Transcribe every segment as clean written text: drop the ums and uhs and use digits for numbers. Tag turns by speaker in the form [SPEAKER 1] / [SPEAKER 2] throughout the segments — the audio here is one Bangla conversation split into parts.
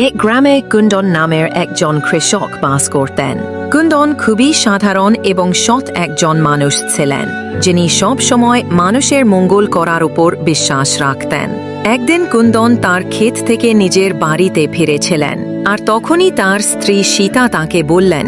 [SPEAKER 1] এক গ্রামে কুন্দন নামের একজন কৃষক বাস করতেন। কুন্দন খুবই সাধারণ এবং সৎ একজন মানুষ ছিলেন, যিনি সব সময় মানুষের মঙ্গল করার উপর বিশ্বাস রাখতেন। একদিন কুন্দন তার ক্ষেত থেকে নিজের বাড়িতে ফিরেছিলেন, আর তখনই তার স্ত্রী সীতা তাকে বললেন,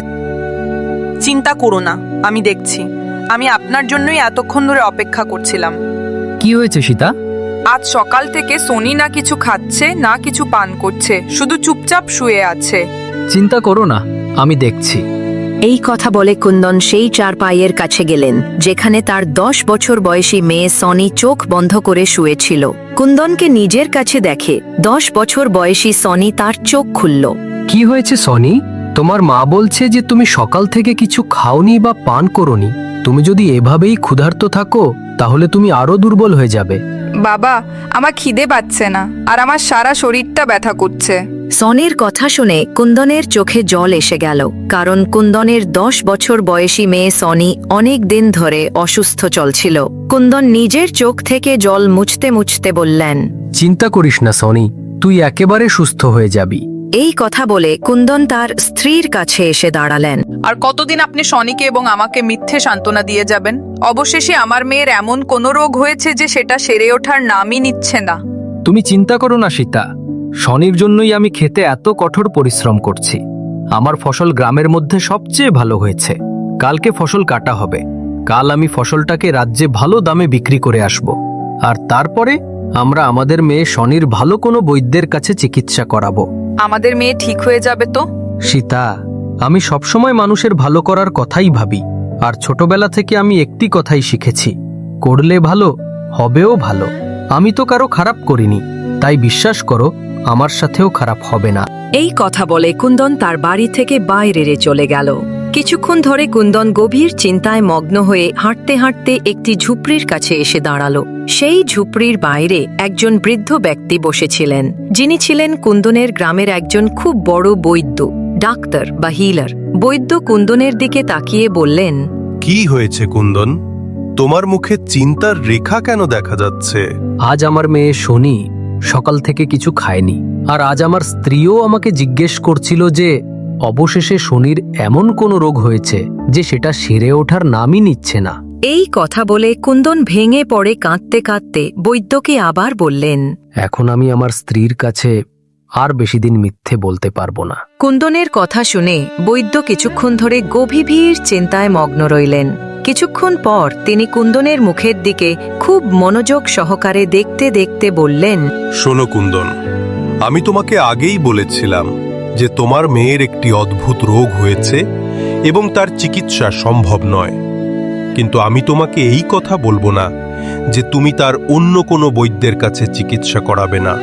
[SPEAKER 2] চিন্তা করো না, আমি দেখছি। আমি আপনার জন্যই এতক্ষণ ধরে অপেক্ষা করছিলাম।
[SPEAKER 3] কি হয়েছে সীতা?
[SPEAKER 2] আজ সকাল থেকে সোনি না কিছু খাচ্ছে না কিছু পান করছে, শুধু চুপচাপ শুয়ে আছে।
[SPEAKER 3] চিন্তা করো না, আমি দেখছি।
[SPEAKER 1] এই কথা বলে কুন্দন সেই চারপাইয়ের কাছে গেলেন, যেখানে তার 10 বছর বয়সী মেয়ে সনি চোখ বন্ধ করে শুয়েছিল। কুন্দনকে নিজের কাছে দেখে 10 বছর বয়সী সনি তার চোখ খুলল।
[SPEAKER 3] কি হয়েছে সনি? তোমার মা বলছে যে তুমি সকাল থেকে কিছু খাওনি বা পান করোনি। তুমি যদি এভাবেই ক্ষুধার্ত থাকো তাহলে তুমি আরো দুর্বল হয়ে যাবে।
[SPEAKER 2] বাবা, আমার খিদে পাচ্ছে না, আর আমার সারা শরীরটা ব্যথা করছে।
[SPEAKER 1] সনির কথা শুনে কুন্দনের চোখে জল এসে গেল, কারণ কুন্দনের 10 বছর বয়সী মেয়ে সনি অনেক দিন ধরে অসুস্থ চলছিল। কুন্দন নিজের চোখ থেকে জল মুছতে মুছতে বললেন,
[SPEAKER 3] চিন্তা করিস না সনি, তুই একেবারে সুস্থ হয়ে যাবি।
[SPEAKER 1] এই কথা বলে কুন্দন তার স্ত্রীর কাছে এসে দাঁড়ালেন।
[SPEAKER 2] আর কতদিন আপনি সনিকে এবং আমাকে মিথ্যে সান্ত্বনা দিয়ে যাবেন? অবশেষে আমার মেয়ের এমন কোনো রোগ হয়েছে যে সেটা সেরে ওঠার নামই নিচ্ছে না।
[SPEAKER 3] তুমি চিন্তা করো না সীতা, শনির জন্যই আমি খেতে এত কঠোর পরিশ্রম করছি। আমার ফসল গ্রামের মধ্যে সবচেয়ে ভালো হয়েছে। কালকে ফসল কাটা হবে। কাল আমি ফসলটাকে রাজ্যে ভালো দামে বিক্রি করে আসব, আর তারপরে আমরা আমাদের মেয়ে শনির ভালো কোনো বৈদ্যের কাছে চিকিৎসা করাবো।
[SPEAKER 2] আমাদের মেয়ে ঠিক হয়ে যাবে তো?
[SPEAKER 3] সীতা, আমি সবসময় মানুষের ভালো করার কথাই ভাবি, আর ছোটবেলা থেকে আমি একটি কথাই শিখেছি, করলে ভালো হবেও ভালো। আমি তো কারো খারাপ করিনি, তাই বিশ্বাস করো আমার সাথেও খারাপ হবে না।
[SPEAKER 1] এই কথা বলে কুন্দন তার বাড়ি থেকে বাইরে চলে গেল। কিছুক্ষণ ধরে কুন্দন গভীর চিন্তায় মগ্ন হয়ে হাঁটতে হাঁটতে একটি ঝুপড়ির কাছে এসে দাঁড়ালো। সেই ঝুপড়ির বাইরে একজন বৃদ্ধ ব্যক্তি বসেছিলেন, যিনি ছিলেন কুন্দনের গ্রামের একজন খুব বড় বৈদ্য, ডাক্তার বা হিলার। বৈদ্য কুন্দনের দিকে তাকিয়ে বললেন,
[SPEAKER 4] কি হয়েছে কুন্দন? তোমার মুখে চিন্তার রেখা কেন দেখা যাচ্ছে?
[SPEAKER 3] আজ আমার মেয়ে শনি সকাল থেকে কিছু খায়নি, আর আজ আমার স্ত্রীও আমাকে জিজ্ঞেস করছিল যে অবশেষে শনির এমন কোনো রোগ হয়েছে যে সেটা সেরে ওঠার নামই নিচ্ছে না।
[SPEAKER 1] এই কথা বলে কুন্দন ভেঙে পড়ে কাঁদতে কাঁদতে বৈদ্যকে আবার বললেন,
[SPEAKER 3] এখন আমি আমার স্ত্রীর কাছে আর বেশি দিন মিথ্যে বলতে পারবো না।
[SPEAKER 1] কুন্দনের কথা শুনে বৈদ্য কিছুক্ষণ ধরে গভীর চিন্তায় মগ্ন রইলেন। কিছুক্ষণ পর তিনি কুন্দনের মুখের দিকে খুব মনোযোগ সহকারে দেখতে দেখতে বললেন,
[SPEAKER 4] শোনো কুন্দন, আমি তোমাকে আগেই বলেছিলাম যে তোমার মেয়ের একটি অদ্ভুত রোগ হয়েছে এবং তার চিকিৎসা সম্ভব নয়। কিন্তু আমি তোমাকে এই কথা বলবো না যে তুমি তার অন্য কোনো বৈদ্যের কাছে চিকিৎসা করাবে না।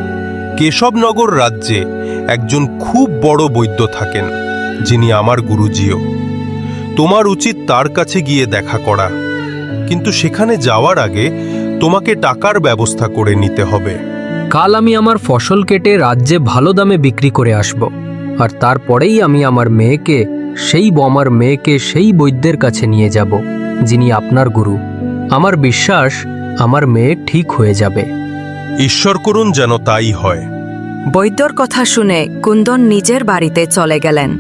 [SPEAKER 4] কেশবনগর রাজ্যে একজন খুব বড় বৈদ্য থাকেন, যিনি আমার গুরুজিও। তোমার উচিত তার কাছে গিয়ে দেখা করা, কিন্তু সেখানে যাওয়ার আগে তোমাকে টাকার ব্যবস্থা করে নিতে হবে।
[SPEAKER 3] কাল আমি আমার ফসল কেটে রাজ্যে ভালো দামে বিক্রি করে আসব, আর তারপরেই আমি আমার মেয়েকে সেই বৈদ্যের কাছে নিয়ে যাব, যিনি আপনার গুরু। আমার বিশ্বাস আমার মেয়ে ঠিক হয়ে যাবে।
[SPEAKER 4] ঈশ্বর করুন যেন তাই হয়।
[SPEAKER 1] বৈদ্যর কথা শুনে কুন্দন নিজের বাড়িতে চলে গেলেন।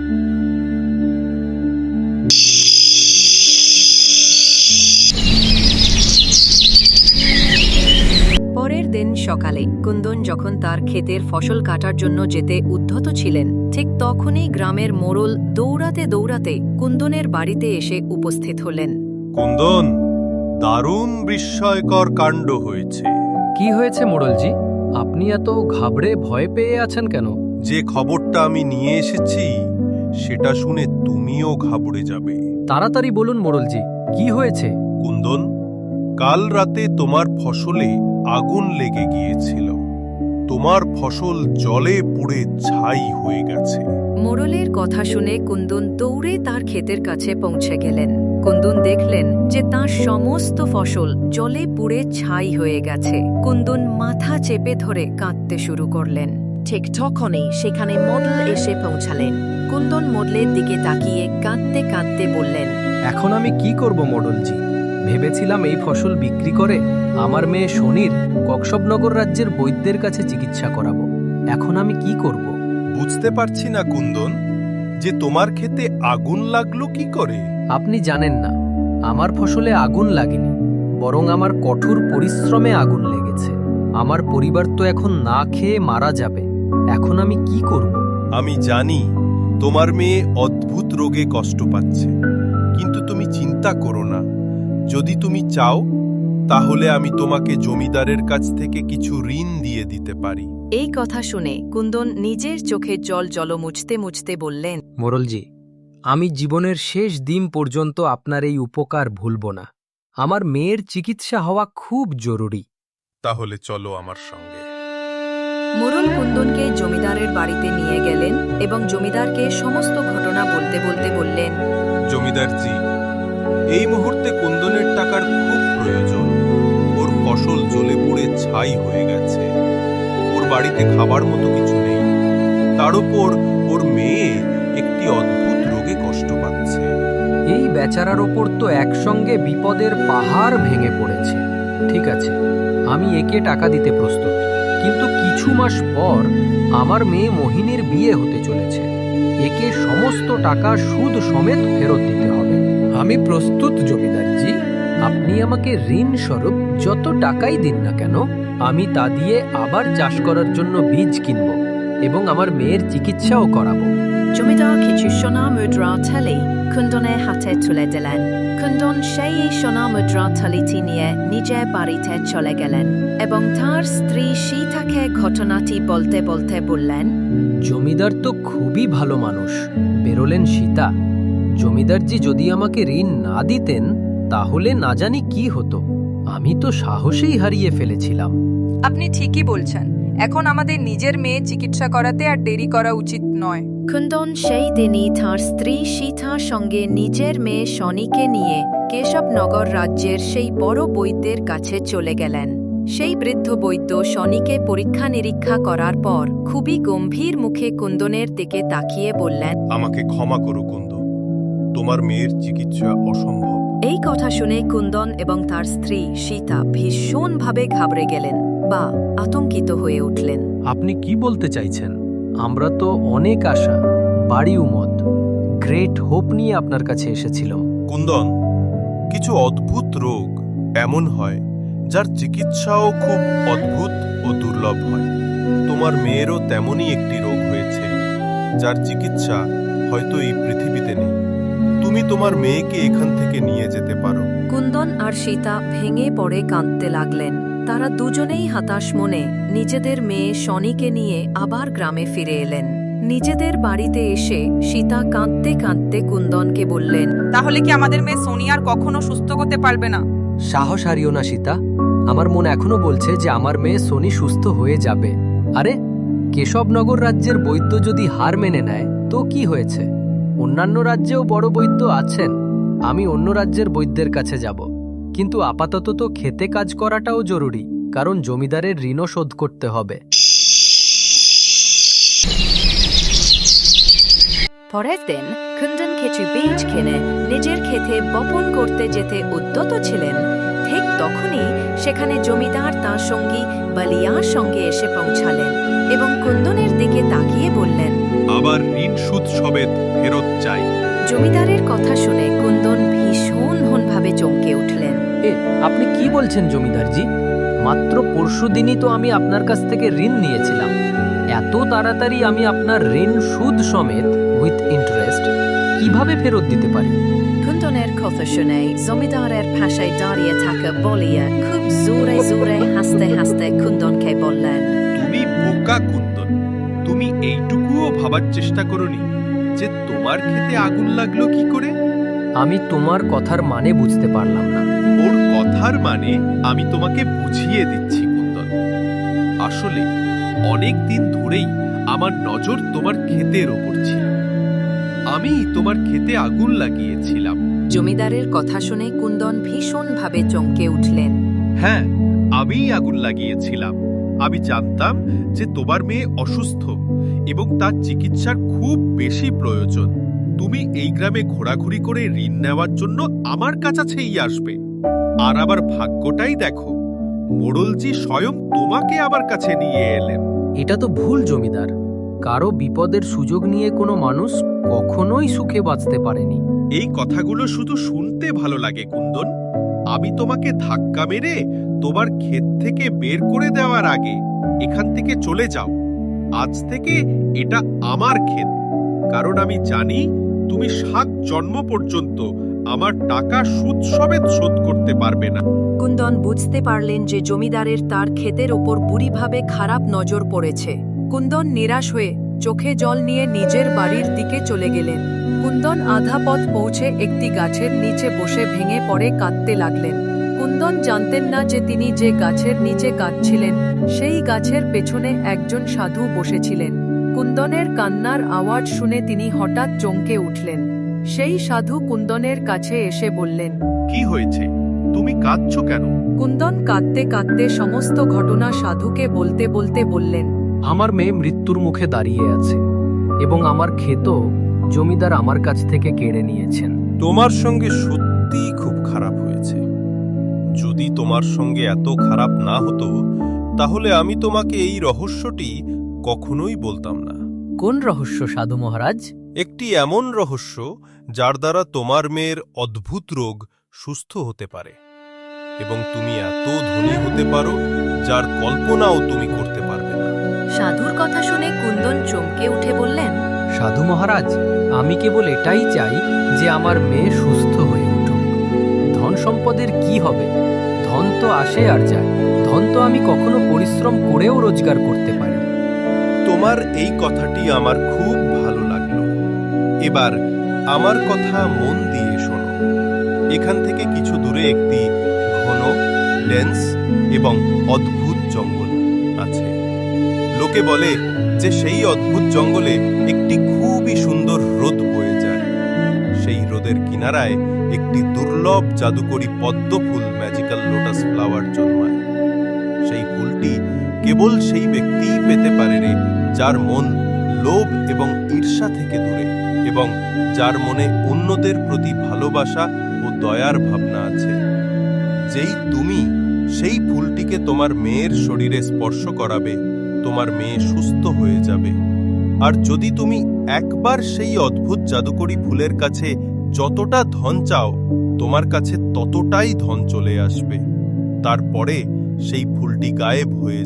[SPEAKER 1] পরের দিন সকালে কুন্দন যখন তার ক্ষেতের ফসল কাটার জন্য যেতে উদ্ধত ছিলেন, ঠিক তখনই গ্রামের মোড়ল দৌড়াতে দৌড়াতে কুন্দনের বাড়িতে এসে উপস্থিত হলেন।
[SPEAKER 4] কুন্দন, দারুণ বিস্ময়কর কাণ্ড হয়েছে।
[SPEAKER 3] কি হয়েছে মোড়লজি? আপনি এত ঘাবড়ে ভয় পেয়ে আছেন কেন?
[SPEAKER 4] যে খবরটা আমি নিয়ে এসেছি সেটা শুনে তুমিও ঘাবড়ে যাবে।
[SPEAKER 3] তাড়াতাড়ি বলুন মোড়লজি, কি হয়েছে?
[SPEAKER 4] কুন্দন, কাল রাতে তোমার ফসলে আগুন লেগে গিয়েছিল। তোমার ফসল জলে পুড়ে ছাই হয়ে গেছে।
[SPEAKER 1] মোড়লের কথা শুনে কুন্দন দৌড়ে তার ক্ষেতের কাছে পৌঁছে গেলেন। কুন্দন দেখলেন যে তার সমস্ত ফসল জলে পুড়ে ছাই হয়ে গেছে। কুন্দন মাথা চেপে ধরে কাঁদতে শুরু করলেন। ঠিক তখনই সেখানে মডেল এসে পৌঁছালেন। কুন্দন মডেলের দিকে তাকিয়ে কাঁদতে কাঁদতে বললেন,
[SPEAKER 3] এখন আমি কি করব মোড়লজি? ভেবেছিলাম এই ফসল বিক্রি করে আমার মেয়ে শনির ককসবনগর রাজ্যের বৈদ্যের কাছে চিকিৎসা করাবো। এখন আমি কি করব?
[SPEAKER 4] বুঝতে পারছি না কুন্দন, যে তোমার ক্ষেতে আগুন লাগলো কি করে?
[SPEAKER 3] আপনি জানেন না, আমার ফসলে আগুন লাগেনি, বরং আমার কঠোর পরিশ্রমে আগুন লেগেছে। আমার পরিবার তো এখন না খেয়ে মারা যাবে। এখন আমি কি করব?
[SPEAKER 4] আমি জানি তোমার মেয়ে অদ্ভুত রোগে কষ্ট পাচ্ছে, কিন্তু তুমি চিন্তা করো না। যদি তুমি চাও তাহলে আমি তোমাকে জমিদারের কাছ থেকে কিছু ঋণ দিয়ে দিতে পারি।
[SPEAKER 1] এই কথা শুনে কুন্দন নিজের চোখের জল মুছতে মুছতে বললেন,
[SPEAKER 3] মোরলজি, আমি জীবনের শেষ দিন পর্যন্ত আপনার এই উপকার ভুলব না। আমার মেয়ের চিকিৎসা হওয়া খুব জরুরি।
[SPEAKER 4] তাহলে চলো আমার সঙ্গে।
[SPEAKER 1] মোরল কুন্দনকে জমিদারের বাড়িতে নিয়ে গেলেন এবং জমিদারকে সমস্ত ঘটনা বলতে বলতে বললেন,
[SPEAKER 4] জমিদারজি, এই মুহূর্তে কুন্দনের টাকার খুব প্রয়োজন। ওর ফসল জ্বলে পুড়ে ছাই হয়ে গেছে। ওর বাড়িতে খাবার মতো কিছু নেই। তার উপর ওর মেয়ে একটি অদ্ভুত রোগে কষ্ট পাচ্ছে।
[SPEAKER 3] এই বেচারার ওপর তো একসঙ্গে বিপদের পাহাড় ভেঙে পড়েছে। ঠিক আছে, আমি একে টাকা দিতে প্রস্তুত, কিন্তু কিছু মাস পর আমার মেয়ে মোহিনীর বিয়ে হতে চলেছে। একে সমস্ত টাকা সুদ সমেত ফেরত দিতে হবে। আমি প্রস্তুত জমিদারজি। আপনি আমাকে ঋণ স্বরূপ যত টাকাই দিন না কেন, আমি তা দিয়ে আবার চাষ করার জন্য বীজ কিনব এবং আমার মেয়ের চিকিৎসাও করাবো।
[SPEAKER 1] জমিদার কিছু সোনা মুদ্রা থলি কুন্দনের হাতে তুলে দিলেন। কুন্দন সেই সোনা মুদ্রা থলিটি নিয়ে নিজের বাড়িতে চলে গেলেন এবং তার স্ত্রী সীতাকে ঘটনাটি বলতে বলতে বললেন,
[SPEAKER 3] জমিদার তো খুবই ভালো মানুষ। বেরোলেন সীতা। জমিদারজি যদি আমাকে ঋণ না দিতেন তাহলে না জানি কি হতো। আমি তো সাহসেই হারিয়ে ফেলেছিলাম।
[SPEAKER 2] আপনি ঠিকই বলছেন। এখন আমাদের নিজের মেয়ে চিকিৎসা করাতে আর দেরি করা উচিত নয়।
[SPEAKER 1] কুন্দন সেই দিনই তার স্ত্রী সীতার সঙ্গে নিজের মেয়ে শনিকে নিয়ে কেশবনগর রাজ্যের সেই বড় বৈদ্যের কাছে চলে গেলেন। সেই বৃদ্ধ বৈদ্য শনিকে পরীক্ষা নিরীক্ষা করার পর খুবই গম্ভীর মুখে কুন্দনের দিকে তাকিয়ে বললেন,
[SPEAKER 4] আমাকে ক্ষমা করো কুন্দ, তোমার মেয়ের চিকিৎসা অসম্ভব।
[SPEAKER 1] এই কথা শুনে কুন্দন এবং তার স্ত্রী সীতা ভীষণভাবে ঘাবড়ে গেলেন বা আতঙ্কিত হয়ে উঠলেন।
[SPEAKER 3] আপনি কি বলতে চাইছেন? আমরা তো অনেক আশা, বাড়ি উমদ, গ্রেট হোপ নিয়ে আপনার কাছে এসেছিলাম।
[SPEAKER 4] কুন্দন, কিছু অদ্ভুত রোগ এমন হয় যার চিকিৎসাও খুব অদ্ভুত ও দুর্লভ হয়। তোমার মেয়েরও তেমনই একটি রোগ হয়েছে যার চিকিৎসা হয়তো এই পৃথিবীতে নেই। তুমি তোমার মেয়েকে এখান থেকে নিয়ে যেতে পারো।
[SPEAKER 1] কুন্দন আর সীতা ভেঙে পড়ে কাঁদতে লাগলেন। তারা দুজনেই হতাশ মনে নিজেদের মেয়ে শনিকে নিয়ে আবার গ্রামে ফিরে এলেন। নিজেদের বাড়িতে এসে সীতা কাঁদতে কাঁদতে কুন্দনকে বললেন,
[SPEAKER 2] তাহলে কি আমাদের মেয়ে সোনি আর কখনো সুস্থ হতে পারবে না?
[SPEAKER 3] সাহস হারিও না সীতা। আমার মন এখনো বলছে যে আমার মেয়ে সোনি সুস্থ হয়ে যাবে। আরে, কেশবনগর রাজ্যের বৈদ্য যদি হার মেনে নেয় তো কি হয়েছে? অন্যান্য রাজ্যেও বড় বৈদ্য আছেন। আমি অন্য রাজ্যের বৈদ্যের কাছে যাব, কিন্তু আপাতত তো খেতে কাজ করাটাও জরুরি, কারণ জমিদারের ঋণও শোধ করতে হবে।
[SPEAKER 1] পরের দিন কুন্দন কিছু বীজ কিনে নিজের ক্ষেতে বপন করতে যেতে উদ্যত ছিলেন। ঠিক তখনই সেখানে জমিদার তার সঙ্গী বালিয়ার সঙ্গে এসে পৌঁছালেন এবং কুন্দনের দিকে তাকিয়ে বললেন,
[SPEAKER 4] আবার ঋণ সুদ সমেত ফেরত চাই।
[SPEAKER 1] জমিদারের কথা শুনে কুন্দন ভীষণভাবে চমকে উঠলেন।
[SPEAKER 3] আপনি কি বলছেন জমিদারজি? মাত্র পরশুদিনই তো আমি আপনার কাছ থেকে ঋণ নিয়েছিলাম। এত তাড়াতাড়ি আমি আপনার ঋণ সুদ সমেত উইথ ইন্টারেস্ট কিভাবে ফেরত দিতে পারি?
[SPEAKER 1] কুন্দনের কথা শুনে জমিদারের পাশে দাঁড়িয়ে থাকা বলিয়া খুব জোরে জোরে হাসতে হাসতে কুন্দনকে বললেন,
[SPEAKER 4] তুমি বোকা কুন্দন, তুমি এইটুকুও ভাবার চেষ্টা করনি যে তোমার ক্ষেতে আগুন লাগলো কি করে?
[SPEAKER 3] আমি তোমার কথার মানে বুঝতে পারলাম না।
[SPEAKER 4] ওর কথার মানে আমি তোমাকে বুঝিয়ে দিচ্ছি কুন্দন। আসলে অনেক দিন ধরেই আমার নজর তোমার ক্ষেতের ওপর ছিল। আমি তোমার ক্ষেতে আগুন লাগিয়েছিলাম।
[SPEAKER 1] জমিদারের কথা শুনে কুন্দন ভীষণভাবে চমকে উঠলেন।
[SPEAKER 4] হ্যাঁ, আমিই আগুন লাগিয়েছিলাম। আমি জানতাম যে তোমার মেয়ে অসুস্থ এবং তার চিকিৎসার খুব বেশি প্রয়োজন। তুমি এই গ্রামে ঘোরাঘুরি করে ঋণ নেওয়ার জন্য আমার কাছেই আসবে। আর আবার ভাগ্যটাই দেখো, মোড়লজি স্বয়ং তোমাকে আমার কাছে নিয়ে এলেন।
[SPEAKER 3] এটা তো ভুল জমিদার। কারো বিপদের সুযোগ নিয়ে কোনো মানুষ কখনোই সুখে বাঁচতে পারেনি।
[SPEAKER 5] এই কথাগুলো শুধু শুনতে ভালো লাগে কুন্দন। আমি তোমাকে ধাক্কা মেরে তোমার ক্ষেত থেকে বের করে দেওয়ার আগে এখান থেকে চলে যাও। আজ থেকে এটা আমার ক্ষেত, কারণ আমি জানি তুমি 7 জন্ম পর্যন্ত আমার টাকা সুদ সমেত শোধ করতে পারবে না।
[SPEAKER 1] কুন্দন বুঝতে পারলেন যে জমিদারের তার ক্ষেতের ওপর বুড়িভাবে খারাপ নজর পড়েছে। কুন্দন নিরাশ হয়ে চোখে জল নিয়ে নিজের বাড়ির দিকে চলে গেলেন। কুন্দন আধা পথ পৌঁছে একটি গাছের নিচে বসে ভেঙে পড়ে কাঁদতে লাগলেন। কুন্দন জানতেন না যে তিনি যে গাছের নিচে কাঁদছিলেন সেই গাছের পেছনে একজন সাধু বসেছিলেন। কুন্দনের কান্নার আওয়াজ শুনে তিনি হঠাৎ চমকে উঠলেন। সেই সাধু কুন্দনের কাছে এসে বললেন,
[SPEAKER 5] কি হয়েছে? তুমি কাঁদছো কেন?
[SPEAKER 1] কুন্দন কাঁদতে কাঁদতে সমস্ত ঘটনা সাধুকে বলতে বলতে বললেন,
[SPEAKER 3] আমার মেয়ে মৃত্যুর মুখে দাঁড়িয়ে আছে এবং আমার ক্ষেতও জমিদার আমার কাছ থেকে কেড়ে নিয়েছেন।
[SPEAKER 4] তোমার সঙ্গে সত্যিই খুব খারাপ হয়েছে। যদি তোমার সঙ্গে এত খারাপ না হতো তাহলে আমি তোমাকে এই রহস্যটি কখনোই বলতাম না।
[SPEAKER 3] কোন রহস্য সাধু মহারাজ?
[SPEAKER 4] একটি এমন রহস্য যার দ্বারা তোমার মেয়ের অদ্ভুত রোগ সুস্থ হতে পারে এবং তুমি এত ধনী হতে পারো যার কল্পনাও তুমি করতে পারবে না।
[SPEAKER 1] সাধুর কথা শুনে কুন্দন চমকে উঠে বললেন,
[SPEAKER 3] সাধু মহারাজ, আমি কেবল এটাই চাই যে আমার মেয়ে সুস্থ হয়ে উঠুক। ধন সম্পদের কি হবে? ধন তো আসে আর যায়। ধন তো আমি কখনো পরিশ্রম করেও রোজগার করতে পারি।
[SPEAKER 4] তোমার এই কথাটি আমার খুব ভালো লাগলো। এবার আমার কথা মন দিয়ে শোনো। এখান থেকে কিছু দূরে একটি ঘন, ডেন্স এবং অদ্ভুত জঙ্গল আছে। লোকে বলে যে সেই অদ্ভুত জঙ্গলে একটি খুবই সুন্দর হ্রদ বয়ে যায়। সেই হ্রদের কিনারায় একটি দুর্লভ জাদুকরী পদ্ম ফুল, ম্যাজিক্যাল লোটাস ফ্লাওয়ার জন্মায়। সেই ফুলটি কেবল সেই ব্যক্তিই পেতে পারে রে যার মন লোভ এবং ঈর্ষা থেকে দূরে এবং যার মনে অন্যদের প্রতি ভালোবাসা ও দয়ার ভাবনা আছে। যেই তুমি সেই ফুলটিকে তোমার মেয়ের শরীরে স্পর্শ করাবে, তোমার মেয়ে সুস্থ হয়ে যাবে। আর যদি তুমি একবার সেই অদ্ভুত জাদুকরী ফুলের কাছে যতটা ধন চাও, তোমার কাছে ততটাই ধন চলে আসবে। তারপরে সেই ফুলটি গায়েব হয়ে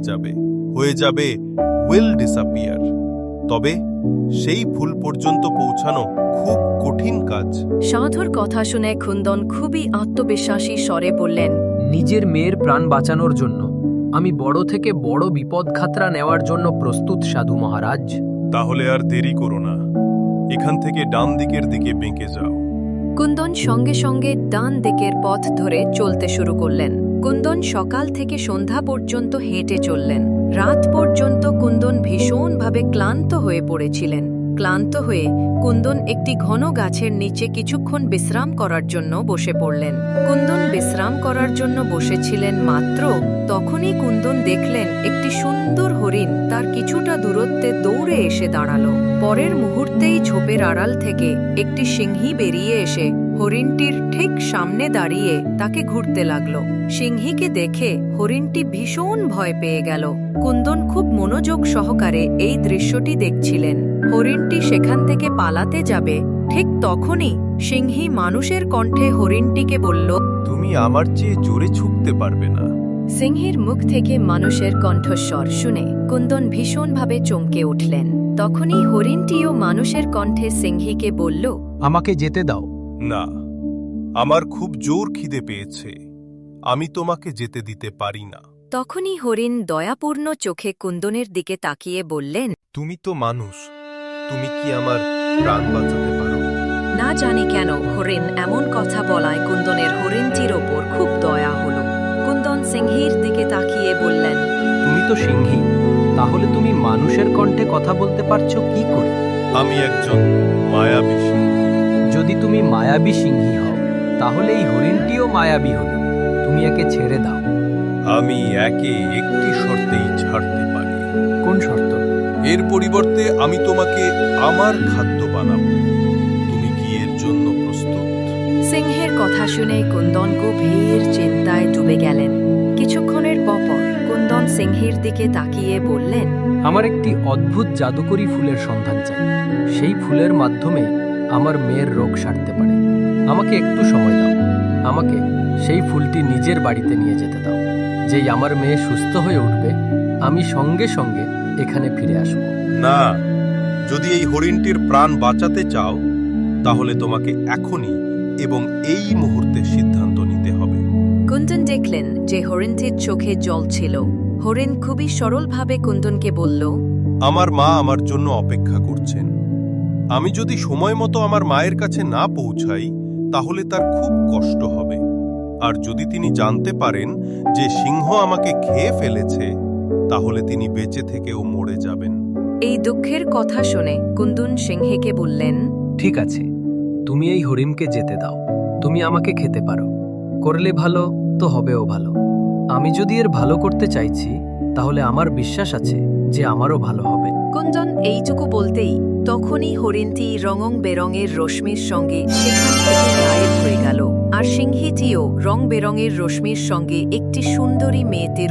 [SPEAKER 4] যাবে উইল ডিসঅ্যাপিয়ার। তবে সেই ফুল পর্যন্ত পৌঁছানো খুব কঠিন কাজ।
[SPEAKER 1] সাধুর কথা শুনে কুন্দন খুবই আত্মবিশ্বাসী স্বরে বললেন,
[SPEAKER 3] নিজের মেয়ের প্রাণ বাঁচানোর জন্য আমি বড় থেকে বড় বিপদ খাতরা নেওয়ার জন্য প্রস্তুত সাধু মহারাজ।
[SPEAKER 4] তাহলে আর দেরি করো না, এখান থেকে ডান দিকের দিকে বেঁকে যাও।
[SPEAKER 1] কুন্দন সঙ্গে সঙ্গে ডান দিকের পথ ধরে চলতে শুরু করলেন। কুন্দন সকাল থেকে সন্ধ্যা পর্যন্ত হেঁটে চললেন। রাত পর্যন্ত কুন্দন ভীষণভাবে ক্লান্ত হয়ে পড়েছিলেন। ক্লান্ত হয়ে কুন্দন একটি ঘন গাছের নিচে কিছুক্ষণ বিশ্রাম করার জন্য বসে পড়লেন। কুন্দন বিশ্রাম করার জন্য বসেছিলেন মাত্র তখনই কুন্দন দেখলেন একটি সুন্দর হরিণ তার কিছুটা দূরত্বে দৌড়ে এসে দাঁড়ালো। পরের মুহূর্তেই ঝোপের আড়াল থেকে একটি সিংহী বেরিয়ে এসে হরিণটির ঠিক সামনে দাঁড়িয়ে তাকে ঘুরতে লাগলো। সিংহীকে দেখে হরিণটি ভীষণ ভয় পেয়ে গেল। কুন্দন খুব মনোযোগ সহকারে এই দৃশ্যটি দেখছিলেন। হরিণটি সেখান থেকে পালাতে যাবে, ঠিক তখনই সিংহী মানুষের কণ্ঠে হরিণটিকে বলল,
[SPEAKER 4] তুমি আমার চেয়ে জোরে ছুটতে পারবে না।
[SPEAKER 1] সিংহীর মুখ থেকে মানুষের কণ্ঠস্বর শুনে কুন্দন ভীষণভাবে চমকে উঠলেন। তখনই হরিণটিও মানুষের কণ্ঠে সিংহীকে বলল,
[SPEAKER 3] আমাকে যেতে দাও।
[SPEAKER 4] না, আমার খুব জোর খিদে পেয়েছে, আমি তোমাকে যেতে দিতে পারি না।
[SPEAKER 1] তখনই হরিণ দয়াপূর্ণ চোখে কুন্দনের দিকে তাকিয়ে বললেন,
[SPEAKER 4] তুমি তো মানুষ, তুমি কি আমার প্রাণ বাঁচাতে পারো?
[SPEAKER 1] না জানি কেন হরিণ এমন কথা বলায় কুন্দনের হরিণটির ওপর খুব দয়া হল। কুন্দন সিংহীর দিকে তাকিয়ে বললেন,
[SPEAKER 3] তুমি তো সিংহী, তাহলে তুমি মানুষের কণ্ঠে কথা বলতে পারছো কি করে?
[SPEAKER 4] আমি একজন মায়াবী সিংহ।
[SPEAKER 3] যদি তুমি মায়াবী সিংহী হও তাহলে এই হরিণটিও মায়াবী হল। তুমি একে ছেড়ে দাও।
[SPEAKER 4] আমি একে একটি শর্তেই ছাড়তে পারি।
[SPEAKER 3] কোন শর্ত?
[SPEAKER 4] এর পরিবর্তে আমি তোমাকে আমার খাদ্য বানাবো। তুমি কি এর জন্য প্রস্তুত?
[SPEAKER 1] সিংহের কথা শুনে কুন্দন গভীর চিন্তায় ডুবে গেলেন। কিছুক্ষণের পর কুন্দন সিংহীর দিকে তাকিয়ে বললেন,
[SPEAKER 3] আমার একটি অদ্ভুত জাদুকরী ফুলের সন্ধান চাই। সেই ফুলের মাধ্যমে আমার মেয়ের রোগ সারতে পারে। আমাকে একটু সময় দাও। আমাকে সেই ফুলটি নিজের বাড়িতে নিয়ে যেতে দাও। যেই আমার মেয়ে সুস্থ হয়ে উঠবে, আমি সঙ্গে সঙ্গে এখানে ফিরে আসব।
[SPEAKER 4] না, যদি এই হরিণটির প্রাণ বাঁচাতে চাও তাহলে তোমাকে এখনই এবং এই মুহূর্তে সিদ্ধান্ত নিতে হবে।
[SPEAKER 1] কুন্দন দেখলেন যে হরিণটির চোখে জল ছিল। হরিণ খুবই সরলভাবে কুন্দনকে বলল,
[SPEAKER 4] আমার মা আমার জন্য অপেক্ষা করছেন। আমি যদি সময় মতো আমার মায়ের কাছে না পৌঁছাই তাহলে তার খুব কষ্ট হবে। আর যদি তিনি জানতে পারেন যে সিংহ আমাকে খেয়ে ফেলেছে তাহলে তিনি বেঁচে থেকেও মরে যাবেন।
[SPEAKER 1] এই দুঃখের কথা শুনে কুন্দন সিংহীকে বললেন,
[SPEAKER 3] ঠিক আছে, তুমি এই হরিণকে যেতে দাও। তুমি আমাকে খেতে পারো। করলে ভালো তো হবেও ভালো। আমি যদি এর ভালো করতে চাইছি তাহলে আমার বিশ্বাস আছে যে আমারও ভালো হবে।
[SPEAKER 1] কুন্দন এইটুকু বলতেই তখনই হরিণটি রঙং বেরঙের রশ্মির সঙ্গে সেখান থেকে গায়েব হয়ে গেল। আর সিংহীটিও রং বেরঙের রশ্মির সঙ্গে একটি সুন্দরী মেয়েতে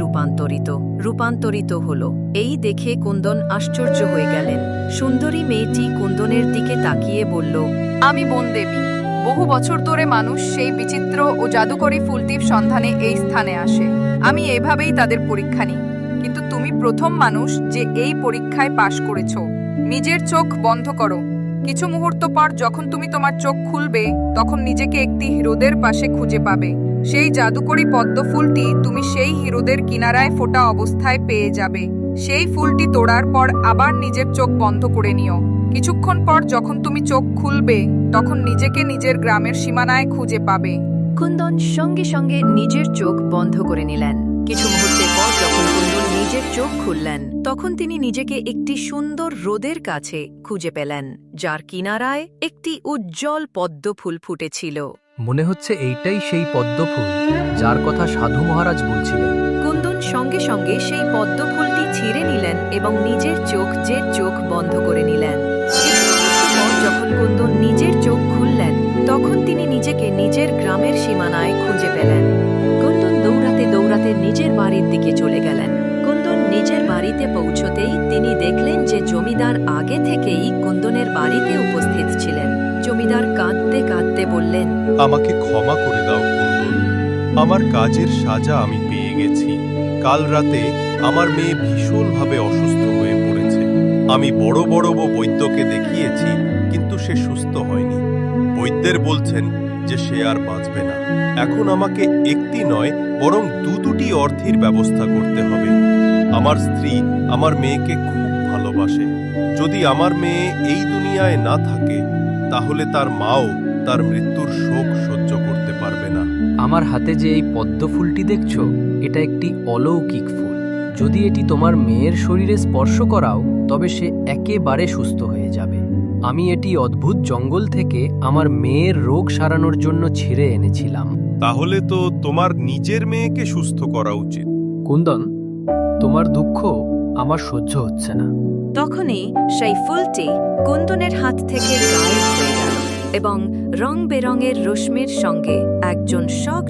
[SPEAKER 1] রূপান্তরিত হল। এই দেখে কুন্দন আশ্চর্য হয়ে গেলেন। সুন্দরী মেয়েটি কুন্দনের দিকে তাকিয়ে বলল,
[SPEAKER 2] আমি বনদেবী। বহু বছর ধরে মানুষ সেই বিচিত্র ও জাদুকরী ফুলটির সন্ধানে এই স্থানে আসে। আমি এভাবেই তাদের পরীক্ষা নিই, কিন্তু তুমি প্রথম মানুষ যে এই পরীক্ষায় পাশ করেছ। নিজের চোখ বন্ধ করো। কিছু মুহূর্ত পর যখন তুমি তোমার চোখ খুলবে তখন নিজেকে একটি হ্রদের পাশে খুঁজে পাবে। সেই জাদুকরী পদ্ম ফুলটি তুমি সেই হ্রদের কিনারায় ফোটা অবস্থায় পেয়ে যাবে। সেই ফুলটি তোড়ার পর আবার নিজের চোখ বন্ধ করে নিও। কিছুক্ষণ পর যখন তুমি চোখ খুলবে তখন নিজেকে নিজের গ্রামের সীমানায় খুঁজে পাবে।
[SPEAKER 1] কুন্দন সঙ্গে সঙ্গে নিজের চোখ বন্ধ করে নিলেন। কিছু মুহূর্তের পর যখন কুন্দন নিজের চোখ খুললেন তখন তিনি নিজেকে একটি সুন্দর হ্রদের কাছে খুঁজে পেলেন, যার কিনারায় একটি উজ্জ্বল পদ্ম ফুল ফুটেছিল।
[SPEAKER 3] মনে হচ্ছে এইটাই সেই পদ্ম ফুল যার কথা সাধু মহারাজ বলছিলেন।
[SPEAKER 1] কুন্দন সঙ্গে সঙ্গে সেই পদ্ম ফুলটি ছিঁড়ে নিলেন এবং নিজের চোখ বন্ধ করে নিলেন। কিছু মুহূর্ত পর যখন কুন্দন নিজের চোখ খুললেন তখন তিনি নিজেকে নিজের গ্রামের সীমানায় খুঁজে পেলেন। কুন্দন দৌড়াতে দৌড়াতে নিজের বাড়ির দিকে চলে গেলেন। কুন্দন নিজের বাড়িতে পৌঁছতেই তিনি দেখলেন যে জমিদার আগে থেকেই কুন্দনের বাড়িতে উপস্থিত ছিলেন। জমিদার কাঁদতে কাঁদতে বললেন,
[SPEAKER 4] আমাকে ক্ষমা করে দাও কুন্দন। আমার কাজের সাজা আমি পেয়ে গেছি। কাল রাতে আমার মেয়ে ভীষণভাবে অসুস্থ হয়ে পড়েছে। আমি বড় বড় বৈদ্যকে দেখিয়েছি, কিন্তু সে সুস্থ হয়নি। বৈদ্যের বলছেন যে সে আর বাঁচবে না। এখন আমাকে একটি নয় বরং দুটি অর্থের ব্যবস্থা করতে হবে। আমার স্ত্রী আমার মেয়েকে খুব ভালোবাসে। যদি আমার মেয়ে এই দুনিয়ায় না থাকে তাহলে তার মাও তার মৃত্যুর শোক সহ্য করতে পারবে না।
[SPEAKER 3] আমার হাতে যে এই পদ্ম ফুলটি দেখছো, এটা একটি অলৌকিক ফুল। যদি এটি তোমার মেয়ের শরীরে স্পর্শ করাও তবে সে একেবারে সুস্থ হয়ে যাবে। আমি এটি অদ্ভুত জঙ্গল থেকে আমার মেয়ের রোগ সারানোর জন্য ছিঁড়ে এনেছিলাম।
[SPEAKER 4] তাহলে তো তোমার নিজের মেয়েকে সুস্থ করা উচিত।
[SPEAKER 3] কুন্দন, তোমার দুঃখ আমার সহ্য হচ্ছে না।
[SPEAKER 1] তখনই সেই ফুলটি কুন্দনের হাত থেকে গায়েব হয়ে গেল এবং রং বেরঙের রশ্মির সঙ্গে একজন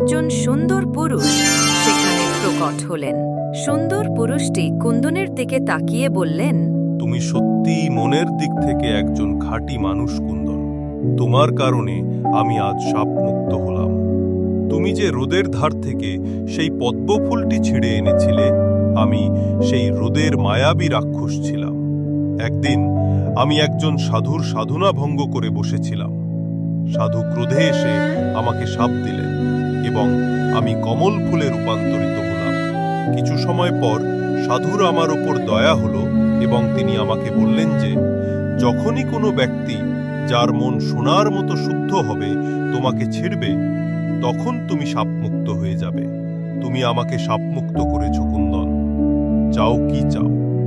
[SPEAKER 1] সুন্দর পুরুষ সেখানে প্রকট হলেন। সুন্দর পুরুষটি কুন্দনের দিকে তাকিয়ে বললেন,
[SPEAKER 4] তুমি সত্যি মনের দিক থেকে একজন খাঁটি মানুষ কুন্দন। তোমার কারণে আমি আজ শাপমুক্ত হলাম। তুমি যে হ্রদের ধার থেকে সেই পদ্ম ফুলটি ছিঁড়ে এনেছিলে, আমি সেই হ্রদের মায়াবী রাক্ষস ছিলাম। একদিন আমি একজন সাধুর সাধনা ভঙ্গ করে বসেছিলাম। সাধু ক্রোধে এসে আমাকে শাপ দিলেন এবং আমি কমল ফুলে রূপান্তরিত হলাম। কিছু সময় পর সাধুর আমার ওপর দয়া হলো এবং তিনি আমাকে বললেন যে যখনই কোনো ব্যক্তি যার মন সোনার মতো শুদ্ধ হবে তোমাকে ছিড়বে, তখন তুমি শাপমুক্ত হয়ে যাবে। তুমি আমাকে শাপমুক্ত করেছ কুন্দন। চাও কি চাও?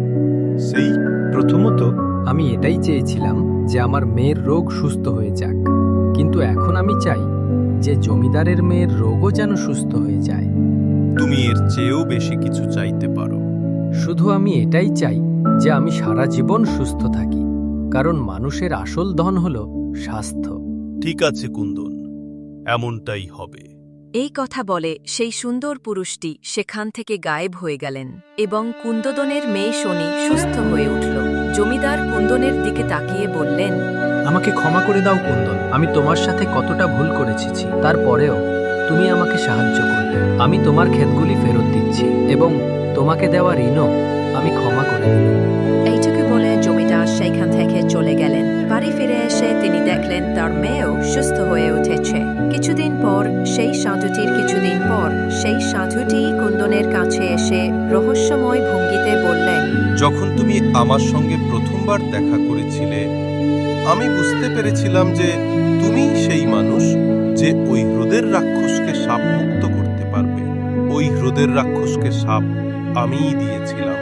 [SPEAKER 4] সেই
[SPEAKER 3] প্রথমত আমি এটাই চেয়েছিলাম যে আমার মেয়ের রোগ সুস্থ হয়ে যাক, কিন্তু এখন আমি চাই যে জমিদারের মেয়ের রোগও যেন সুস্থ হয়ে যায়।
[SPEAKER 4] তুমি এর চেয়েও বেশি কিছু চাইতে পারো।
[SPEAKER 3] শুধু আমি এটাই চাই যে আমি সারা জীবন সুস্থ থাকি, কারণ মানুষের আসল ধন হল স্বাস্থ্য।
[SPEAKER 4] ঠিক আছে কুন্দন, এমনটাই হবে।
[SPEAKER 1] এই কথা বলে সেই সুন্দর পুরুষটি সেখান থেকে গায়েব হয়ে গেলেন এবং কুন্দদনের মেয়ে শনি সুস্থ হয়ে উঠল। জমিদার কুন্দনের দিকে তাকিয়ে বললেন,
[SPEAKER 3] আমাকে ক্ষমা করে দাও কুন্দন, আমি তোমার সাথে কতটা ভুল করেছি, তারপরেও তুমি আমাকে সাহায্য করলে। আমি তোমার ক্ষেতগুলি ফেরত দিচ্ছি এবং তোমাকে দেওয়া ঋণও আমি ক্ষমা করে দিলাম।
[SPEAKER 1] এইটুকু বলে জমিদার সেইখান থেকে চলে গেলেন। বাড়ি ফিরে এসে তিনি দেখলেন তার মেয়েও সুস্থ হয়ে উঠেছে। কিছুদিন পর সেই সাধুটি কুন্দনের কাছে এসে রহস্যময় ভঙ্গিতে বললেন,
[SPEAKER 4] যখন তুমি আমার সঙ্গে প্রথমবার দেখা করেছিলে, আমি বুঝতে পেরেছিলাম যে তুমিই সেই মানুষ যে ওই হ্রদের রাক্ষসকে সাপ মুক্ত করতে পারবে। ওই হ্রদের রাক্ষসকে সাপ আমিই দিয়েছিলাম।